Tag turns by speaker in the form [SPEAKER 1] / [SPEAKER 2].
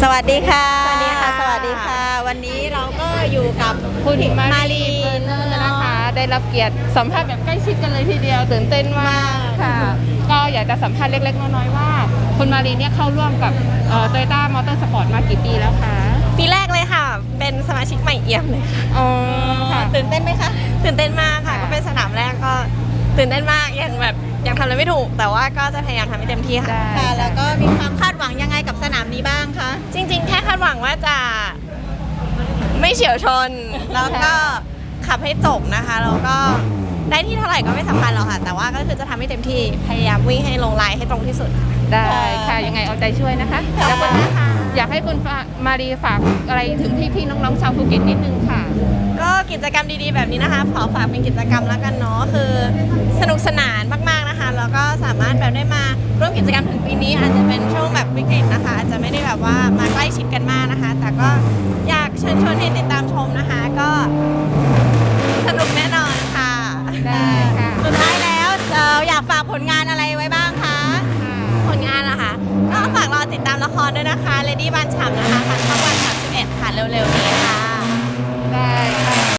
[SPEAKER 1] สวัสดีค่ะ
[SPEAKER 2] สวัสดีค่ะ
[SPEAKER 1] สวัสดีค่ะ วันนี้เราก็อยู่กับ
[SPEAKER 2] คุณมา
[SPEAKER 1] มา
[SPEAKER 2] รี
[SPEAKER 1] รี
[SPEAKER 2] เบอร์เนอร์นะคะ ได้รับเกียรติสัมภาษณ์แบบใกล้ชิดกันเลยทีเดียวตื่นเต้นมากค่ะ ก็อยากจะสัมภาษณ์เล็กๆน้อยๆว่าคุณมารีเนี่ยเข้าร่วมกับToyota Motorsport มากี่ปีแล้วคะ
[SPEAKER 3] ปีแรกเลยค่ะ เป็นสมาชิกใหม่เอี่ยมเลยค่ะ
[SPEAKER 2] อ๋อค่ะ
[SPEAKER 1] ตื่นเต้นไหมคะ
[SPEAKER 3] ตื่นเต้นมากค่ะ
[SPEAKER 2] ค่ะ
[SPEAKER 3] ก็เป็นสนามแรกก็ตื่นเต้นมากยังทำอะไรไม่ถูก แต่ว่าก็จะพยายามทำให้เต็มที่ค่ะ
[SPEAKER 1] ค่ะ แล้วก็มีความคาดหวังยังไงกับสนามนี้บ้างคะ
[SPEAKER 3] จริงๆ แค่คาดหวังว่าจะไม่เฉียวชน แล้วก็ขับให้จบนะคะ แล้วก็ได้ที่เท่าไหร่ก็ไม่สำคัญหรอกค่ะ แต่ว่าก็คือจะทำให้เต็มที่ พยายามวิ่งให้ลงไลน์ให้ตรงที่สุด
[SPEAKER 2] ได้ค่ะยังไงเอาใจช่วยนะคะ
[SPEAKER 1] ค่ะ
[SPEAKER 2] แล้วก็อยากให้คุณมารีฝากอะไรถึงพี่ๆน้องๆชาวภูเก็ตนิดนึงค่ะ
[SPEAKER 3] ก็กิจกรรมดีๆแบบนี้นะคะขอฝากเป็นกิจกรรมแล้วกันเนาะคือสนุกสนานมากๆนะคะแล้วก็สามารถแบบได้มาร่วมกิจกรรมถึงปีนี้อาจจะเป็นช่วงแบบวิกฤตนะคะอาจจะไม่ได้แบบว่ามาใกล้ชิดกันมากนะคะ แต่ก็อยากเชิญชวนให้ติดตามชมนะคะ ก็สนุกแน่นอนค่ะ
[SPEAKER 2] ได้ค่ะ
[SPEAKER 1] สุดท้ายแล้วอยากฝากผลงานอะไรไว้บ้างคะ
[SPEAKER 3] ผลงานนะคะก็ฝากรอติดตามละครด้วยนะคะ Lady บานฉ่ำนะคะทางช่องวัน31ค่ะเร็วๆนี้ค่ะ